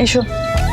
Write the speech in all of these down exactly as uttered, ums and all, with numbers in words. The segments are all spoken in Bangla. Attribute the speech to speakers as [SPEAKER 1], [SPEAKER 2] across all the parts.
[SPEAKER 1] এসো।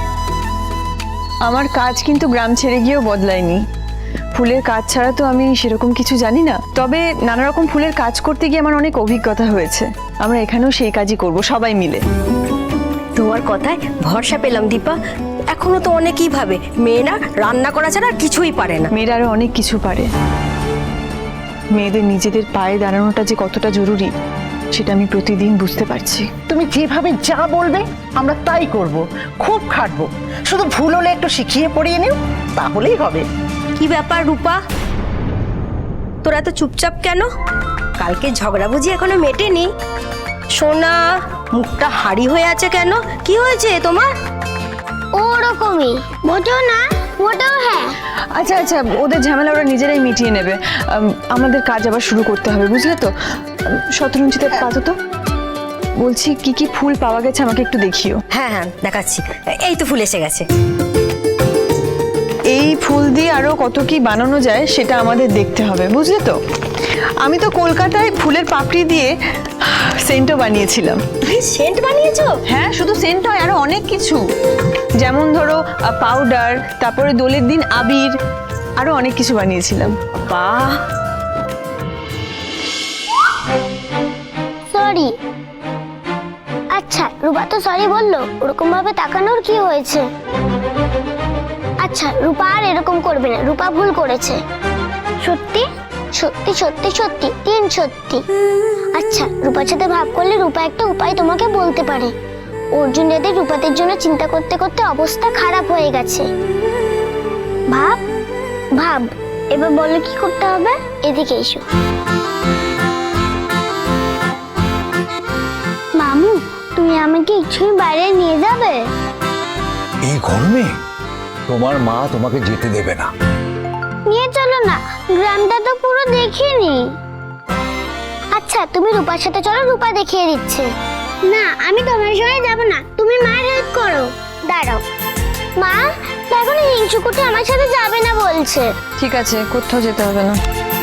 [SPEAKER 1] আমার কাজ কিন্তু গ্রাম ছেড়ে গিয়েও বদলায়নি। ফুলের কাজ ছাড়া তো আমি সেরকম কিছু জানি না, তবে নানা রকম ফুলের কাজ করতে গিয়ে আমার অনেক অভিজ্ঞতা হয়েছে। আমরা এখানেও সেই কাজই করব সবাই মিলে।
[SPEAKER 2] তোমার কথায় ভরসা পেলাম দীপা। এখনো তো অনেকেই ভাবে মেয়েরা রান্না করা ছাড়া আর কিছুই পারে না।
[SPEAKER 1] মেয়েরা আরো অনেক কিছু পারে। মেয়েদের নিজেদের পায়ে দাঁড়ানোটা যে কতটা জরুরি সেটা আমি প্রতিদিন বুঝতে পারছি।
[SPEAKER 3] তুমি যেভাবে যা বলবে আমরা তাই করব, খুব খাটবো। শুধু ভুল হলে একটু শিখিয়ে পড়িয়ে নিও, তাহলেই হবে।
[SPEAKER 2] কি ব্যাপার রূপা, তোরা এত চুপচাপ কেন? কালকে ঝগড়া বুঝি এখনো মেটেনি? সোনা, মুখটা হাড়ি হয়ে আছে কেন? কি হয়েছে তোমার?
[SPEAKER 4] ওরকমই, মোটেও না, মোটেও হ্যাঁ।
[SPEAKER 1] আচ্ছা আচ্ছা, ওদের ঝামেলা ওরা নিজেরাই মিটিয়ে নেবে। আম, আমাদের কাজ আবার শুরু করতে হবে, বুঝলে তো? শতরঞ্জিতে পাতো তো। বলছি কি কি ফুল পাওয়া গেছে আমাকে একটু দেখিও।
[SPEAKER 2] হ্যাঁ হ্যাঁ দেখাচ্ছি, এই তো ফুল এসে গেছে।
[SPEAKER 1] এই ফুল দিয়ে আরো কত কি বানানো যায় সেটা আমাদের দেখতে হবে, বুঝলে তো? আমি তো কলকাতায় ফুলের পাপড়ি দিয়ে সেন্টও বানিয়েছিলাম।
[SPEAKER 2] সেন্ট বানিয়েছো?
[SPEAKER 1] হ্যাঁ, শুধু সেন্ট নয়, আরো অনেক কিছু। যেমন ধরো পাউডার, তারপরে দোলের দিন আবির, আরো অনেক কিছু বানিয়েছিলাম।
[SPEAKER 2] বাহ,
[SPEAKER 4] সরি। আচ্ছা, রূপা তো সরি বললো, ওরকম ভাবে তাকানোর কি হয়েছে? আচ্ছা, রূপা আর এরকম করবে না, রূপা ভুল করেছে। সত্যি সত্যি সত্যি সত্যি তিন সত্যি। আচ্ছা, রূপার সাথে ভাব করলে রূপা একটা উপায় তোমাকে বলতে পারে। অর্জুন দাদের রূপাদের জন্য চিন্তা করতে করতে অবস্থা খারাপ হয়ে গেছে। ভাব ভাব, এবার বলো কি করতে হবে? এদিকে এসো। মামু, তুমি আমাকে একটুখানি বাইরে নিয়ে যাবে?
[SPEAKER 5] এই গরমে তোমার মা তোমাকে যেতে দেবে না।
[SPEAKER 4] নিয়ে চলো না, গ্রামটা তো পুরো দেখিনি। আচ্ছা, তুমি রূপার সাথে চলো, রূপা দেখিয়ে দিচ্ছে। না, আমি তোমার সঙ্গে যাব না, তুমি মার হেল্প করো। দাঁড়াও মা, দেখো না হিংসুকুটি আমার সাথে যাবে না বলছে।
[SPEAKER 1] ঠিক আছে, কোথাও যেতে হবে না।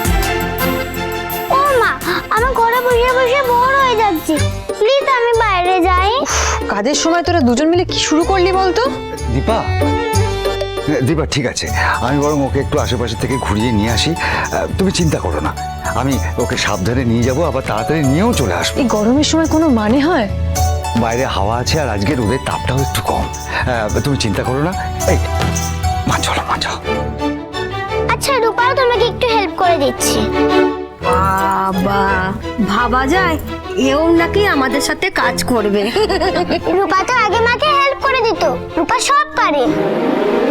[SPEAKER 4] ও মা, আমার ঘরে বসে বসে বোর হয়ে যাচ্ছি, প্লিজ আমি বাইরে যাই।
[SPEAKER 1] কাজের সময় তোরা দুজন মিলে কি শুরু করলি বলতো?
[SPEAKER 5] দীপা, দীপা ঠিক আছে, আমি বরং ওকে একটু আশেপাশে থেকে ঘুরিয়ে নিয়ে আসি। তুমি চিন্তা করো না, আমি ওকে সাবধানে নিয়ে যাব, আবার তাড়াতাড়ি নিয়েও চলে আসবো।
[SPEAKER 1] এই গরমের সময় কোনো মানে হয়?
[SPEAKER 5] বাইরে হাওয়া আছে আর আজকে রোদের তাপটাও একটু কম। তুমি চিন্তা করো না। এই মা চলো, মা যাও।
[SPEAKER 4] আচ্ছা, রূপাও তোমাকে একটু হেল্প করে দিচ্ছি।
[SPEAKER 2] বাবা, ভাবা যায় এও নাকি আমাদের সাথে কাজ করবে।
[SPEAKER 4] রূপা তো আগে মাকে হেল্প করে দিত, রূপা সব পারে।